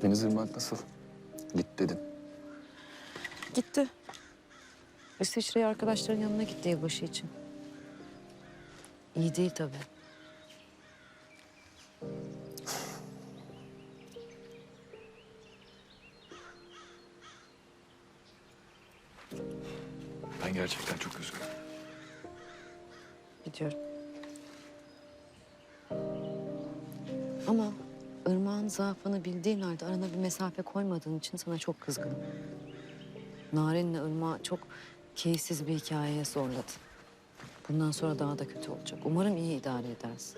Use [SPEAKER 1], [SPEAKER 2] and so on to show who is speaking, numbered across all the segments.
[SPEAKER 1] Deniz Irmak nasıl? Git dedin.
[SPEAKER 2] Gitti. İsviçre'ye arkadaşların yanına gitti yılbaşı için. İyi değil tabii.
[SPEAKER 1] Ben gerçekten çok üzgünüm.
[SPEAKER 2] Biliyorum. Ama Irmak'ın zaafını bildiğin halde arana bir mesafe koymadığın için sana çok kızgınım. Naren'le Irmak'ı çok keyifsiz bir hikayeye zorladın. Bundan sonra daha da kötü olacak. Umarım iyi idare edersin.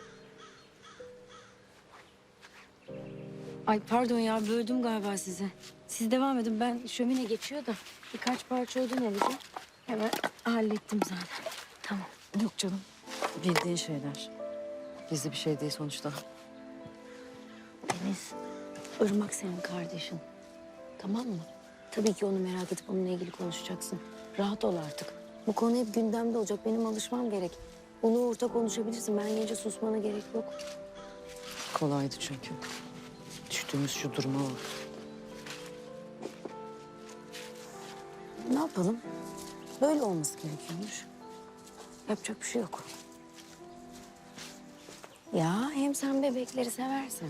[SPEAKER 3] Ay pardon ya, böldüm galiba sizi. Siz devam edin, ben şömine geçiyor da birkaç parça odun alacağım. Hemen hallettim zaten. Tamam.
[SPEAKER 2] Yok canım. Bildiğin şeyler. Gizli bir şey değil sonuçta.
[SPEAKER 3] Deniz, Irmak senin kardeşin. Tamam mı? Tabii ki onu merak edip onunla ilgili konuşacaksın. Rahat ol artık. Bu konu hep gündemde olacak. Benim alışmam gerek. Onu orta konuşabilirsin. Ben gelince susmana gerek yok.
[SPEAKER 2] Kolaydı çünkü. Düştüğümüz şu duruma bak.
[SPEAKER 3] Ne yapalım? Böyle olması gerekiyormuş. Yapacak bir şey yok. Ya hem sen bebekleri seversin.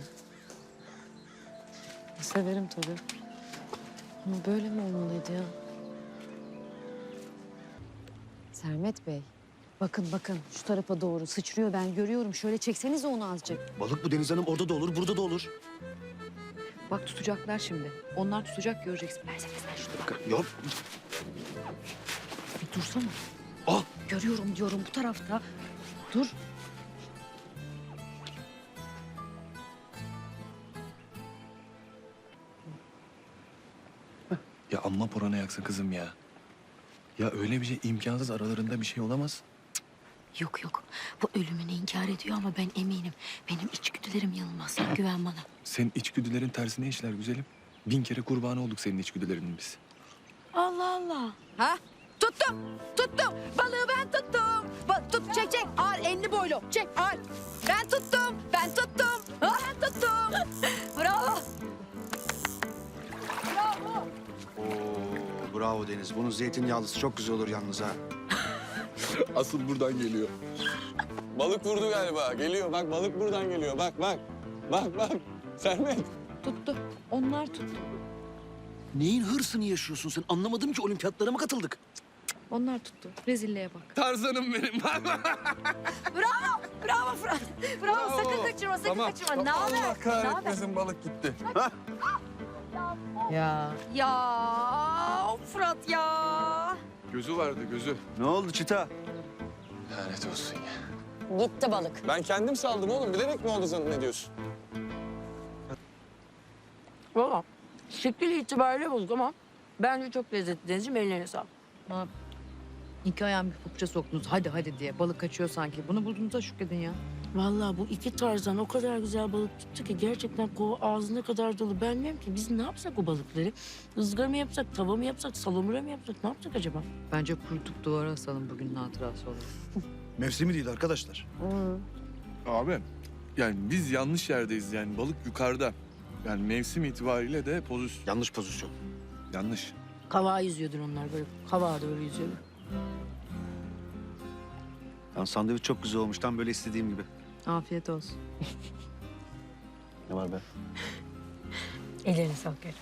[SPEAKER 2] Severim tabii. Ama böyle mi olmalıydı ya? Sermet Bey, bakın bakın şu tarafa doğru sıçrıyor, ben görüyorum. Şöyle çeksenize onu azıcık.
[SPEAKER 4] Balık bu Deniz Hanım, orada da olur, burada da olur.
[SPEAKER 2] Bak tutacaklar şimdi. Onlar tutacak, göreceksin. Versene sen şunu.
[SPEAKER 4] Yok.
[SPEAKER 2] Bir dursana.
[SPEAKER 4] Ah!
[SPEAKER 2] Görüyorum diyorum bu tarafta. Dur.
[SPEAKER 1] Ya amma porana yaksın kızım ya. Ya öyle bir şey imkansız, aralarında bir şey olamaz.
[SPEAKER 3] Yok yok. Bu ölümünü inkar ediyor ama ben eminim. Benim içgüdülerim yanılmaz. Güven bana.
[SPEAKER 1] Senin içgüdülerin tersine işler güzelim. 1000 kere kurbanı olduk senin içgüdülerinin biz.
[SPEAKER 3] Allah Allah.
[SPEAKER 5] Ha? Tuttum, tuttum. Balığı ben tuttum. Çek, çek. Ağır, enli boylu. Çek, ağır. Ben tuttum, ben tuttum. Ben tuttum. Bravo. Bravo.
[SPEAKER 4] Oo, bravo Deniz. Bunun zeytinyağlısı çok güzel olur yalnız ha.
[SPEAKER 1] Asıl buradan geliyor.
[SPEAKER 6] Balık vurdu galiba. Geliyor. Bak balık buradan geliyor. Bak bak. Bak bak. Sermet.
[SPEAKER 2] Tuttu. Onlar tuttu.
[SPEAKER 4] Neyin hırsını yaşıyorsun sen? Anlamadım ki, olimpiyatlara mı katıldık?
[SPEAKER 2] Onlar tuttu. Rezilliğe bak.
[SPEAKER 1] Tarzanım benim.
[SPEAKER 5] Bravo. Bravo Fırat. Bravo. Sakın kaçırma, sakın kaçırma. Ne haber?
[SPEAKER 6] Allah
[SPEAKER 5] Ne haber?
[SPEAKER 6] kahretmesin balık gitti.
[SPEAKER 2] Ya.
[SPEAKER 5] Ya Fırat ya.
[SPEAKER 1] Gözü vardı, gözü.
[SPEAKER 4] Ne oldu Çita?
[SPEAKER 1] Lanet olsun ya.
[SPEAKER 5] Gitti balık.
[SPEAKER 6] Ben kendim saldım oğlum. Bilerek mi oldu zannediyorsun?
[SPEAKER 3] Valla şekil itibariyle bozuk ama bence çok lezzetli Denizciğim. Ellerine sağlık.
[SPEAKER 2] Ha. İki ayağın bir papuça soktunuz. Hadi hadi diye. Balık kaçıyor sanki. Bunu bulduğunuza şükredin ya.
[SPEAKER 3] Vallahi bu iki tarzdan o kadar güzel balık tuttu ki gerçekten kova ağzına kadar dolu. Ben bilmiyorum ki biz ne yapsak o balıkları? Izgara mı yapsak, tava mı yapsak, salamura mı yapsak? Ne yapsak acaba?
[SPEAKER 2] Bence kurutup duvara asalım bugünün hatırası olarak.
[SPEAKER 4] Mevsimi değil arkadaşlar.
[SPEAKER 1] Abi, yani biz yanlış yerdeyiz yani. Balık yukarıda. Yani mevsim itibariyle de pozisyon
[SPEAKER 4] Yanlış pozisyon.
[SPEAKER 1] yanlış.
[SPEAKER 3] Kavağa yüzüyordur onlar böyle. Kavağa doğru yüzüyorlar.
[SPEAKER 4] Lan sandviç çok güzel olmuş. Tam böyle istediğim gibi.
[SPEAKER 2] Afiyet olsun.
[SPEAKER 4] Ne var be?
[SPEAKER 3] Ellerine sağlık. Gel.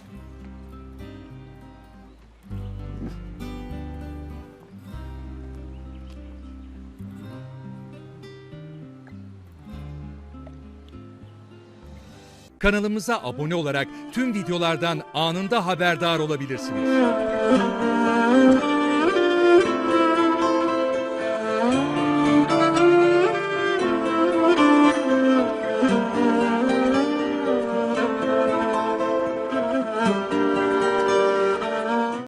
[SPEAKER 7] Kanalımıza abone olarak tüm videolardan anında haberdar olabilirsiniz.